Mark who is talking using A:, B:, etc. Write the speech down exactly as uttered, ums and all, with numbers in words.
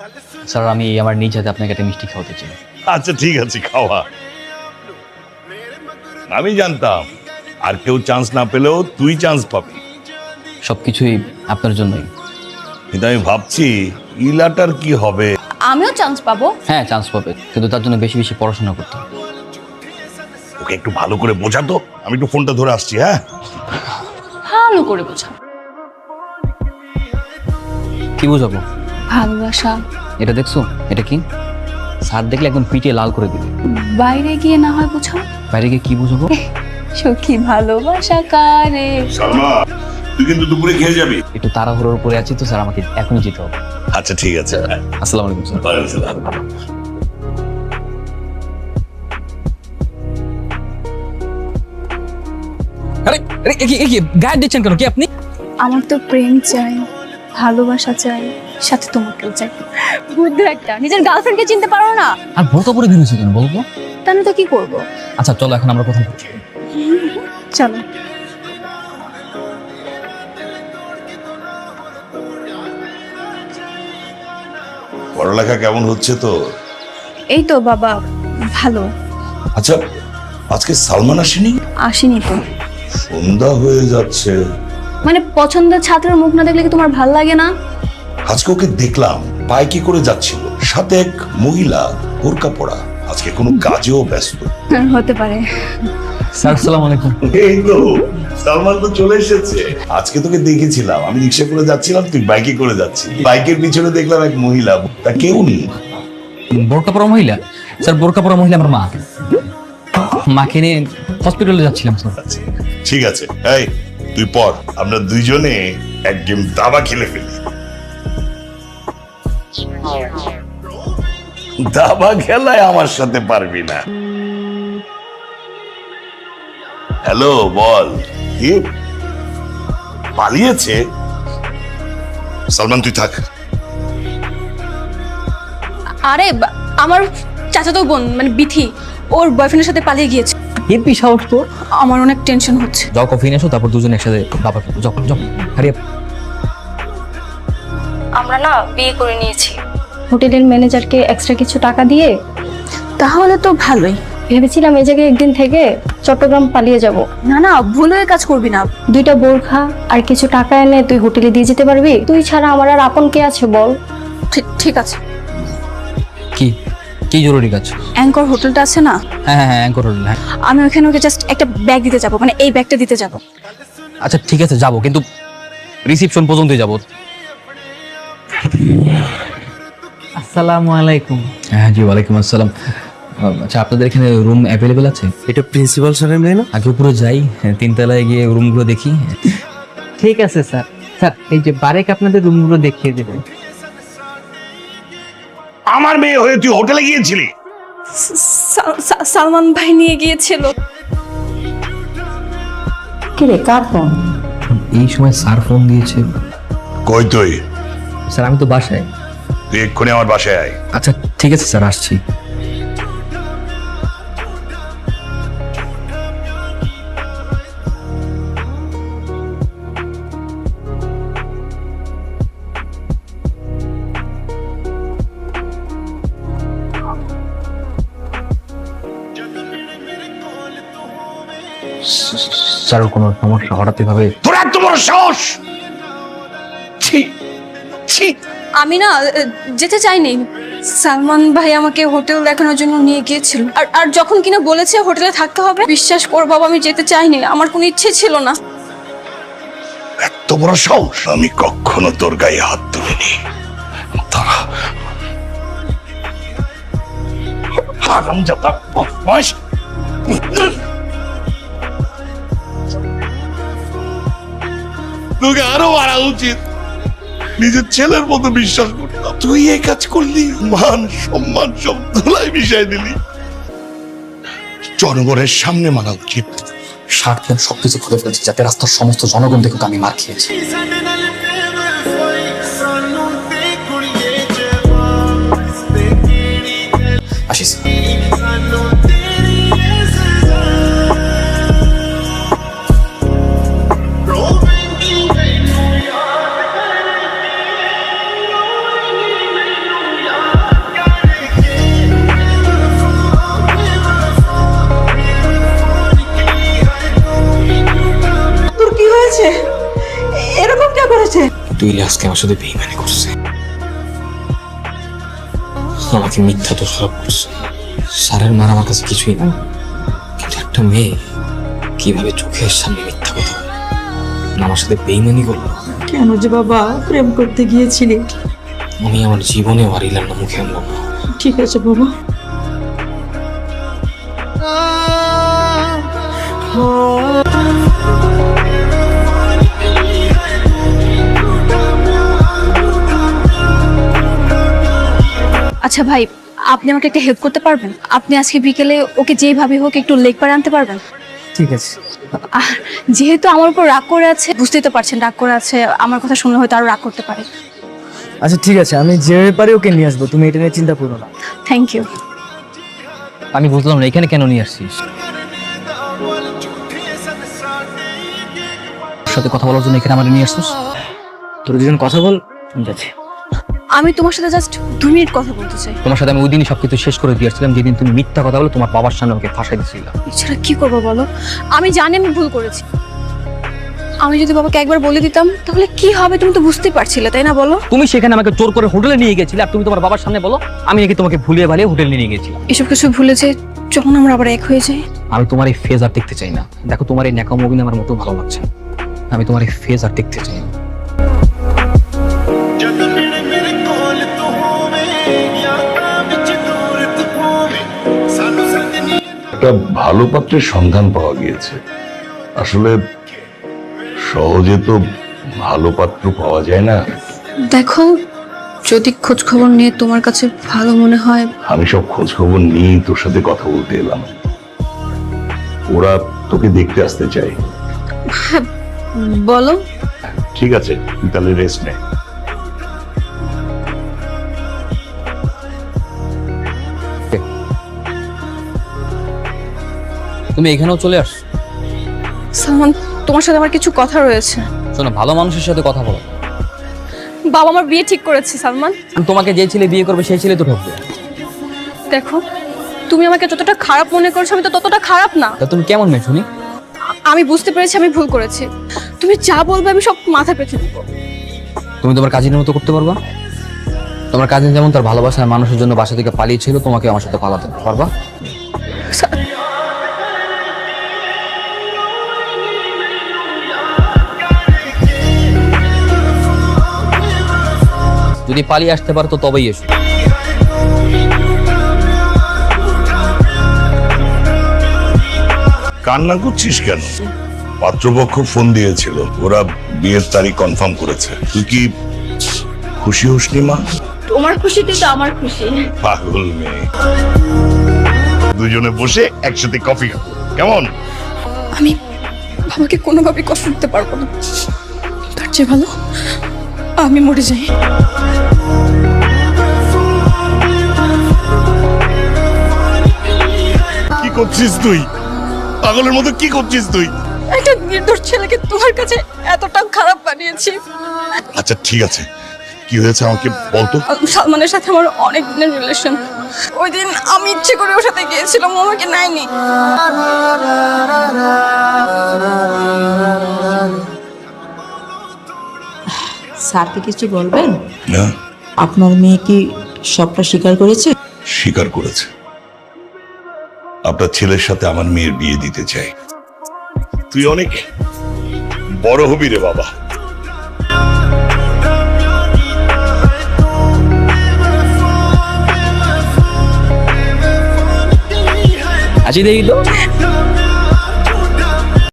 A: Sir আমি আমার নিজ হাতে আপনাকে একটা মিষ্টি খাওয়াতে চাই।
B: আচ্ছা ঠিক আছে, খাওয়া। আমি জানতাম আর কেউ চান্স না পেলেও তুই চান্স পাবি।
A: সবকিছুই আপনার জন্যই।
B: কিন্তু আমি ভাবছি ইলাটার কি হবে।
C: আমিও চান্স পাবো।
A: হ্যাঁ চান্স পাবে, কিন্তু তার জন্য বেশি বেশি পড়াশোনা করতে হবে।
B: ওকে একটু ভালো করে বোঝাতো। আমি একটু ফোনটা ধরে আসছি। হ্যাঁ
C: ভালো করে বোঝা।
A: কি বুঝাবো?
C: ভালোবাসা।
A: এটা দেখছো? এটা কি? স্যার দেখলে একদম পিটিয়ে লাল করে দিবে।
C: বাইরে গিয়ে না হয় বোঝাও।
A: বাইরে গিয়ে কি বুঝাবো?
C: সখী ভালোবাসা কারে।
B: সালমা, তুই কিন্তু দুপুরে খেয়ে যাবি।
A: একটু তাড়াহুড়োর উপরে আছি তো স্যার, আমাকে এখনই যেতে হবে।
B: আচ্ছা ঠিক আছে।
A: আসসালামু আলাইকুম স্যার।
D: আরে আরে কি কি গায়ে দিচ্ছেন কেন? কি আপনি?
C: আমার তো প্রেম চাই, ভালোবাসা চাই, সাথে তোমাকেও চাই। বুদ্ধু একটা, নিজের গার্লফ্রেন্ডকে চিনতে পারো না।
D: আর বোরকা পরে বেরিয়েছে কেন বলবো?
C: তাহলে তো কি করবো?
D: আচ্ছা চলো এখন আমরা কোথায় যাচ্ছি?
C: চলো।
B: পড়ালেখা কেমন হচ্ছে তো?
C: এই তো বাবা, ভালো।
B: আচ্ছা আজকে সালমান আসেনি?
C: আসেনি তো।
B: সন্ধ্যা হয়ে যাচ্ছে।
C: মানে পছন্দের ছাত্রের মুখ না দেখলে কি তোমার ভাল লাগে না?
B: আজকে ওকে দেখলাম বাইকে করে যাচ্ছিল, সাথে এক মহিলা বোরকা পরা। আজকে কোনো কাজেও ব্যস্ত।
C: হতে পারে।
D: স্যার আসসালামু আলাইকুম।
B: এই তো সালমান তো চলে এসেছে। আজকে তোকে দেখেছিলাম, আমি রিক্সা করে যাচ্ছিলাম, তুই বাইকে করে যাচ্ছিস। বাইকের পিছনে দেখলাম এক মহিলা, তা কেউ নেই।
D: বোরকা পরা মহিলা? স্যার বোরকা পরা মহিলা আমার মা। মাকে নিয়ে হসপিটালে যাচ্ছিলাম স্যার।
B: আচ্ছা, ঠিক আছে। এই তুই পর, আমরা দুইজনে এক গেম দাবা খেলে ফেলি। দাবা খেলায় আমার সাথে পারবি না। হ্যালো বল। কি পালিয়েছে? সালমান তুই থাক।
C: আরে বা- আমার চাচাতো বোন মানে বিথি, ওর বয়ফ্রেন্ডের সাথে পালিয়ে গিয়েছে।
D: হেপি সাহস তো।
C: আমার অনেক টেনশন হচ্ছে।
D: যাও কফি নিয়ে এসো, তারপর দুজন একসাথে বাবা খাবো। যাও যাও হারিয়ে।
E: আমরা না বিয়ে করে নিয়েছি হোটেলের ম্যানেজারকে এক্সট্রা কিছু টাকা দিয়ে।
C: তাহলে তো ভালোই।
E: ভেবেছিলাম এই জায়গায় একদিন থেকে চট্টগ্রাম পালিয়ে যাব।
C: না না, ভুল হয়ে কাজ করবি না।
E: দুইটা বোরখা আর কিছু টাকা এনে তুই হোটেলে দিয়ে যেতে পারবি? তুই ছাড়া আমার আর আপন কে আছে বল?
C: ঠিক ঠিক আছে।
D: কি কি জরুরি কাজ?
C: অ্যাঙ্কর হোটেলটা আছে না,
D: হ্যাঁ হ্যাঁ হ্যাঁ অ্যাঙ্কর হোটেল। হ্যাঁ
C: আমি ওখানে ওকে জাস্ট একটা ব্যাগ দিতে যাবো, মানে এই ব্যাগটা দিতে যাবো।
D: আচ্ছা ঠিক আছে যাবো, কিন্তু রিসিপশন পর্যন্তই যাবো।
F: আসসালামু আলাইকুম।
D: হ্যাঁ জি ওয়ালাইকুম আসসালাম। আচ্ছা আপনাদের এখানে রুম অ্যাভেলেবেল আছে?
F: এটা প্রিন্সিপাল স্যারের মেয়ে না?
D: আগে উপরে যাই, হ্যাঁ, তিনতলায় গিয়ে রুমগুলো দেখি।
F: ঠিক আছে স্যার। স্যার এই যে বারেক আপনাদের রুমগুলো দেখিয়ে দেবেন।
B: আমার মেয়ে হয়ে তুই হোটেলে গিয়েছিলি?
C: সা- সা- সালমান ভাই নিয়ে গিয়েছিল।
E: কি রে, কার ফোন?
D: এই সময় স্যার ফোন দিয়েছে।
B: কই তুই?
D: স্যার আমি তো বাসায়।
B: তুই এক্ষুনি আমার বাসায় আয়।
D: আচ্ছা ঠিক আছে স্যার, আসছি। স্যার কোনো সমস্যা হঠাৎ এভাবে?
B: তোর এত বড় সাহস! ছি ছি।
C: আমি না আহ, যেতে চাইনি। সালমান ভাই আমাকে হোটেল দেখানোর জন্য নিয়ে গিয়েছিল, আর আর যখন কিনা বলেছে হোটেলে থাকতে হবে, বিশ্বাস কর বাবা আমি যেতে চাইনি, আমার কোনো ইচ্ছে ছিল না।
B: এত বড় সাহস! আমি কখনো তোর গায়ে হাত তুলিনি। তারা হারামজাদা বদমাশ! তোকে আরো মারা উচিত। নিজের ছেলের মতো বিশ্বাস করতাম, তুই এই কাজ করলি। মান সম্মান সব ধুলাই মিশাই দিলি। জনগণের সামনে মারা উচিত।
D: স্বার্থে আমি সবকিছু খুলে ফেলছি যাতে রাস্তার সমস্ত জনগণ দেখুক আমি মার খেয়েছি। আসিস।
G: তুই আজকে আমার সাথে বেইমানি করছে, আমাকে মিথ্যা দোষারোপ করছে। স্যারের মার আমার কাছে কিছুই না, কিন্তু একটা মেয়ে কিভাবে চোখের সামনে মিথ্যা কথা বলে, আমার সাথে বেইমানি করলো।
H: কেন যে বাবা প্রেম করতে গিয়েছিলি?
G: আমি আমার জীবনে হারিলাম না, মুখে আনলাম না।
H: ঠিক আছে বাবা।
C: আচ্ছা ভাই, আপনি আমাকে একটা হেল্প করতে পারবেন? আপনি আজকে বিকেলে ওকে যেইভাবে হোক একটু লেক পারে আনতে পারবেন?
F: ঠিক আছে।
C: আর যেহেতু আমার উপর রাগ করে আছে, বুঝতেই তো পারছেন রাগ করে আছে, আমার কথা শুনলে হয়তো আরো রাগ করতে পারে।
F: আচ্ছা ঠিক আছে, আমি যেভাবে পারি ওকে নিয়ে আসবো, তুমি এটা নিয়ে চিন্তা করো না।
C: Thank you.
D: আমি বুঝলাম না এখানে কেন নিয়ে আসছিস? ওর সাথে কথা বলার জন্য এখানে আমার নিয়ে আসছিস?
F: তোর দুজন কথা বল, ঠিক আছে?
C: আমি তোমার সাথে জাস্ট দু মিনিট কথা বলতে চাই।
D: তোমার সাথে আমি ওই দিনই সবকিছু শেষ করে দিয়েছিলাম, যেদিন তুমি মিথ্যা কথা বলে তোমার বাবার সামনে আমাকে ফাঁসাই দিয়েছিল।
C: এছাড়া কি করবো বলো? আমি জানি আমি ভুল করেছি। আমি যদি বাবাকে একবার বলে দিতাম তাহলে কি হবে তুমি তো বুঝতেই পারছিলে, তাই না বলো?
D: তুমি সেখানে আমাকে জোর করে হোটেলে নিয়ে গেছিলে, আর তুমি তোমার বাবার সামনে বলো আমি নাকি তোমাকে ভুলিয়ে ভালিয়ে হোটেলে নিয়ে গেছিলাম।
C: এসব কিছু ভুলে যে যখন আমরা আবার এক হয়ে যাই।
D: আমি তোমার এই ফেজ আর দেখতে চাই না। দেখো, তোমার এই ন্যাকামো অভিনয় আমার মতো ভালো লাগছে না। আমি তোমার এই ফেজ আর দেখতে চাই না।
B: একটা ভালো পাত্রের সন্ধান পাওয়া গিয়েছে। আসলে সহজে তো ভালো পাত্র পাওয়া যায় না।
C: দেখো, যদি খোঁজ খবর নিয়ে তোমার কাছে ভালো মনে হয়।
B: আমি সব খোঁজ খবর নিয়ে তোর সাথে কথা বলতে এলাম। ওরা তোকে দেখতে আসতে চায়।
C: বলো।
B: ঠিক আছে, তুই তাহলে রেস্ট নে।
D: তুমি এখানেও চলে আস।
C: সালমান, তোমার সাথে আমার কিছু কথা রয়েছে।
D: শোনো, ভালো মানুষের সাথে কথা বলো।
C: বাবা আমার বিয়ে ঠিক করেছে সালমান।
D: তোমাকে যে ছেলে বিয়ে করবে সেই ছেলে তো ঠকবে।
C: দেখো, তুমি আমাকে যতটা খারাপ মনে করছো আমি তো ততটা খারাপ না।
D: তা তুমি কেমন মেয়ে শুনি?
C: আমি বুঝতে পেরেছি আমি ভুল করেছি। তুমি যা বলবে আমি সব মাথা পেতে নেব।
D: তুমি তোমার কাজিনের মতো করতে পারবা? তোমার কাজিন যেমন তার ভালোবাসার মানুষের জন্য বাসা থেকে পালিয়েছিল, তোমাকে আমার সাথে পালাতে পারবা? যদি পালিয়ে আসতে পারো তো তবেই এসো।
B: কান্না করছিস কেন? পাত্রপক্ষ ফোন দিয়েছিল, ওরা বিয়ের তারিখ কনফার্ম করেছে। তুই কি খুশি হসনি মা?
C: তোমার খুশিতে তো আমার খুশি।
B: পাগল মেয়ে। দুজনে বসে একসাথে কফি খাবো, কেমন?
C: আমি বাবাকে কোনোভাবে কষ্ট দিতে পারবো না। তার চেয়ে ভালো আমি মরে যাই।
B: কি করছিস তুই? পাগলের মতো কি করছিস তুই?
C: একটা নির্দোষ ছেলেকে তোমার কাছে এতটা খারাপ বানিয়েছি।
B: আচ্ছা ঠিক আছে, কি হয়েছে আমাকে বলতো।
C: সালমানের সাথে আমার অনেক দিনের রিলেশন। ওই দিন আমি ইচ্ছে করে ওর সাথে গিয়েছিলাম, ও আমাকে নেয়নি।
H: স্যারকে কিছু বলবেন?
B: না,
H: আপনার মেয়ে কি সবটা স্বীকার করেছে?
B: স্বীকার করেছে। আপনার ছেলের সাথে আমার মেয়ের বিয়ে দিতে চাই। তুই অনেক বড় হবি রে বাবা।
D: আজি দেখি তো